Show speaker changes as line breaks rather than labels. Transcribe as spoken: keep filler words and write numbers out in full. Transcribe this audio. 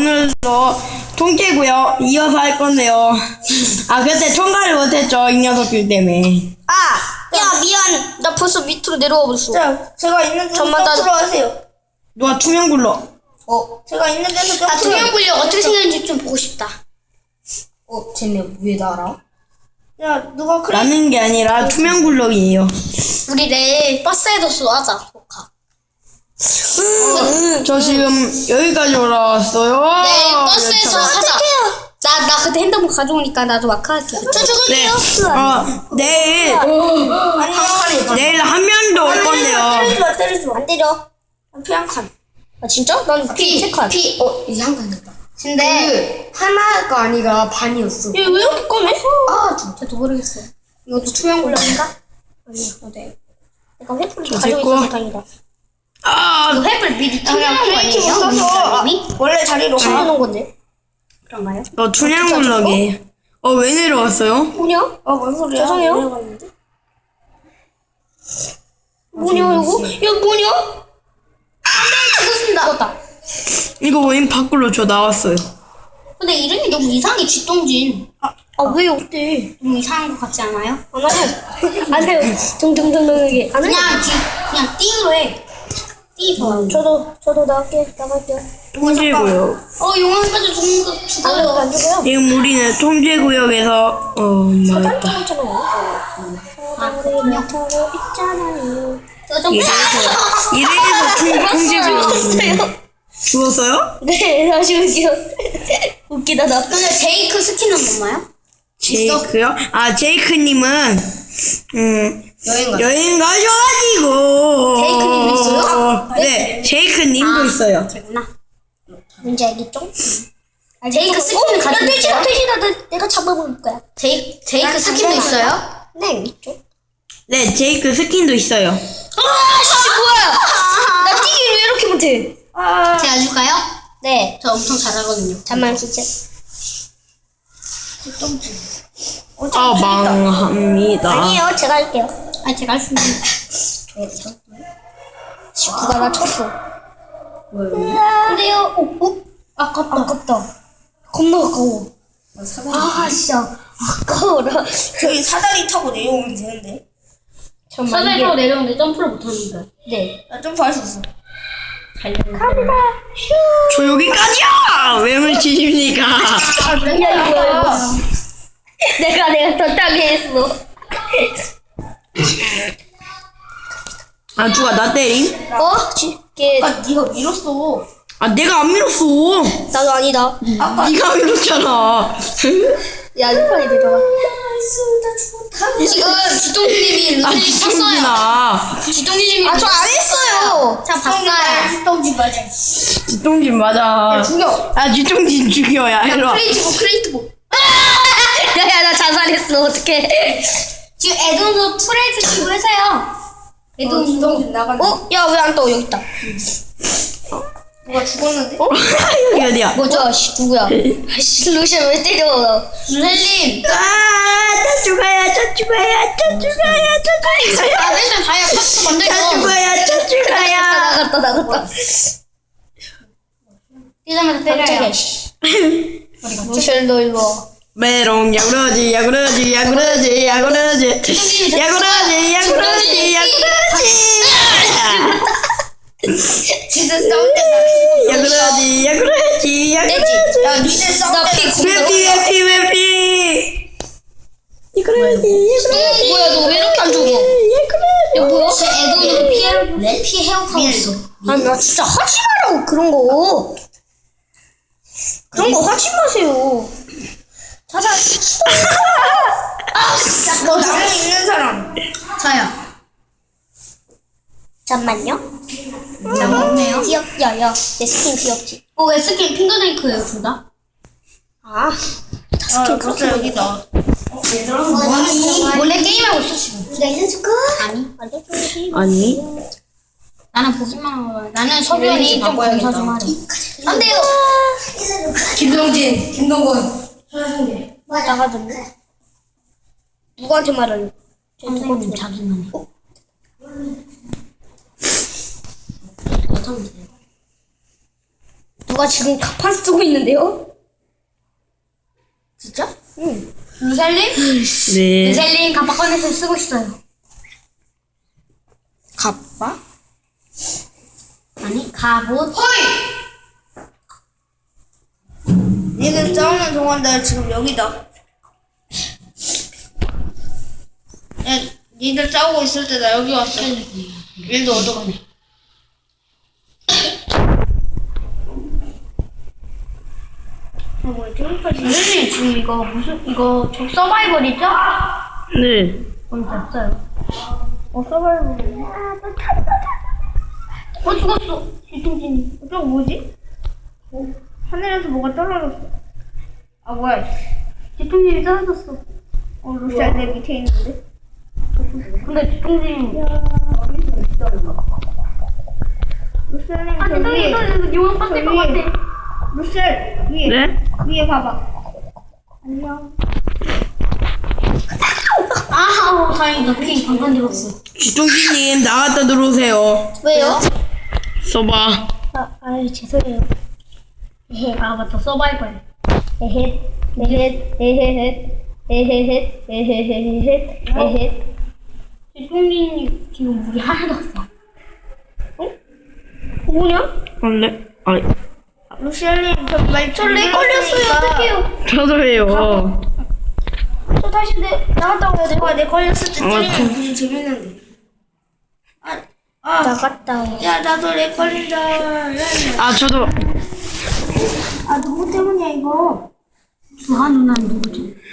오늘도 통째고요. 이어서 할 건데요. 아 그때 통과를 못했죠. 이 녀석들 때문에.
아! 야 미안. 나 벌써 밑으로 내려와 버렸어.
자, 제가 있는 데서
잠만 나-
점프로 하세요.
누가 투명 굴러?
어, 제가 있는 데서 점프로.
아 투명 굴려 어떻게 생겼는지 좀 보고 싶다.
어, 쟤네 왜 날아? 야, 누가 크레
나는 게 아니라 투명 굴럭이에요.
우리 내일 버스에도 쏘하자. 조카.
저 지금 여기까지 올라왔어요.
내일 버스에서 하자. 나 나 그때 핸드폰 가져오니까 나도 마카할게. 저
네. 어, 내일
아니,
내일 한 명도 올 건데요.
때리지 마, 때리지 마.
안 때려.
피 한 칸.
아 진짜? 난 피 세 칸.
피, 어, 이제 한 칸 됐다.
근데
그, 하나가 아니라 반이었어.
얘 왜 이렇게 꺼내? 아 진짜 모르겠어. 이것도 투명 굴려인가? 아니야. 네. 내가 횃불을
저
가지고
됐고.
있어서 다행이다.
아,
이거 횃불 미리 투명한 거
크리에이티브
아니에요?
써서
이미?
원래 자리로 가.
숨겨놓은 건데. 그런가요?
어 투명 굴럭이에요. 어 왜 내려왔어요?
뭐냐?
어, 뭔 소리야?
죄송해요.
내려갔는데?
뭐냐 이거? 야 뭐냐? 안돼 죽었습니다. 죽었다.
이거 웬 밖으로 저 나왔어요.
근데 이름이 너무 이상해. 쥐똥진. 아왜 어때? 너무 이상한 것 같지 않아요? 안 해요. 안 해요. 둥둥둥둥하게. 안 해요. 그냥 쥐 그냥 띵으로 해. 띵 좋아요. 저도 저도 나갈게 나갈게요.
통제구역.
어 용암까지 죽는 거 죽어요. 안 죽어요?
지금 우리는 통제구역에서 어 망했다.
아 그렇군요. 타고 있잖아요. 저좀
이래서 이래서 통- 통제구역이에요. 죽었어요?
네, 다시 올게요. 웃기다, 나. 근데 제이크 스킨은 뭔가요?
제이크요? 아 제이크님은 음
여행 가.
여행 가셔가지고.
제이크님도 있어요?
네, 제이크님도
아.
있어요.
되구나. 뭔지 알겠죠? 제이크 스킨은 가지고 있어요? 돼지다, 나, 내가 잡아볼 거야. 제이, 제이크 스킨도 있어요? 네, 있죠.
네, 제이크 스킨도 있어요.
아, 씨, 뭐야! 나 뛰기 왜 이렇게 못해?
아,
제가 줄까요? 네. 저 엄청 잘하거든요. 잠만, 진짜.
아 망합니다.
아니에요, 제가 할게요. 아, 제가 할 수 있는. 누가 나 쳤어. 근데요, 어, 어? 아깝다. 아깝다. 겁나 아까워. 아, 진짜. 아까워라.
저기 사다리 타고 내려오면 되는데.
사다리 타고 내려오는데 점프를 못하니까. 네.
나 점프할 수 있어.
갑니다.
저 여기까지야. 왜 물치십니까?
아, 그래? 야, 이거, 이거. 내가, 내가 더 땅에 했어.
아 누가 나 때림?
어? 지, 걔,
아, 니가 밀었어.
아 내가 안 밀었어.
나도 아니다.
네가 밀었잖아.
야, 이빨이 내려가.
나 죽었다.
지금 지동님이
아
루틴 쳤어요.
지똥진아.
지동님이. 아, 저 안 했어요. 자, 봤어요.
똥지 맞아.
지똥진 맞아.
죽여.
아 지똥진 죽여야 일로 와.
크레이트보, 크레이트보. 야, 야, 나 자살했어. 어떡해. 지금 에드온도 트레이드 치고 해서요. 에드온.
똥지 나갔네.
어? 야, 왜 안 떠? 여기 있다.
누가 죽었는데?
여기 어디야?
뭐죠? 씨, 누구야? 씨, 루시안 왜 때려? 루셀님.
아저 죽어야 저 죽어야 저 죽어야 저 죽어야
아, 맨날 다이아 파스타
저
만들고.
죽어야 저 죽어야.
나갔다, 나갔다. 뛰자마자 때려요. 루셀 너 일로 와.
메롱 야구러지 야구러지 야구러지 야구러지 야구러지 야구러지 야구러지
진짜 싸울 때
야구러지 야구러지 야구러지
나 니네 싸울
나
때
피
웹피 웹피 웹피 야구러지 야구러지
뭐야, 너 왜 이렇게 안 죽어?
야구러지
야, 뭐야? 제 에드온으로 피해, 피해 헤어하고 있어. 아니, 나 진짜 하지 말라고, 그런 거. 그런 거 하지 마세요. 자자. 아, 진짜.
너 나무 있는 사람.
자야. 잠만요. 나무 없네요. 귀엽, 야, 야. 내 스킨 귀엽지? 어, 왜 스킨 핑거네이크예요, 둘 다? 아. 다
아,
스킨
벌써
그렇게
여기다.
뭐니? 원래 게임하고 있어, 지금. 나 이제 줄까? 아니.
아니
나는 보기만 하고 봐. 나는 서변이 좀 검사 좀 하래. 안 돼요.
김동진, 김동건.
나가던데. 누구한테 말하려? 선생님 자기만 해. 못하면 돼요. 누가 지금 가판 쓰고 있는데요?
진짜?
응. 루셀린?
네.
루셀린 가판 꺼내서 쓰고 있어요.
갑바?
아니, 갑옷.
니들 싸우는 동안 나 지금 여기다. 야, 니들 싸우고 있을 때 나 여기 왔어. 일도 얻어가네. 아, 뭐야, 저기까지.
루셀린 지금 이거 무슨, 이거 저 서바이벌이죠?
네.
뭔지 없어요.
어, 서바이벌.
어, 죽었어. 뒤통진이.
저거 뭐지? 어, 하늘에서 뭐가 떨어졌어. 아, 뭐야.
뒤통진이 떨어졌어.
어, 루시아 내 밑에 있는데?
근데 뒤통진이.
루시아님,
아,
저
뒤통진이
위에.
떨어져서 용암 빠질 것
위에.
같아.
루시아, 위에.
네?
위에 봐봐. 안녕.
아우, 다행이다. 핑 방금 들었어.
쥐똥기님 나갔다 들어오세요.
왜요?
써봐.
아, 아유, 죄송해요. 에헤. 아, 맞다. 서바이벌. 에헤, 에헤, 에헤, 에헤, 에헤, 에헤. 뒤통진이 지금 물이 하나도 없어. 어? 뭐냐?
원래 아니
루시아님, 저말
저렉 걸렸어요. 어떡해요?
저도예요.
저 다시 내, 나갔다 와야 돼.
내가 내 걸렸을 때
아,
때리면
저-
되게 재밌는데. 아, 아,
나갔다 와.
야, 나도 렉 걸린다. 야, 야.
아 저도
아, 누구 때문이야, 이거?
주한 누나는 누구지?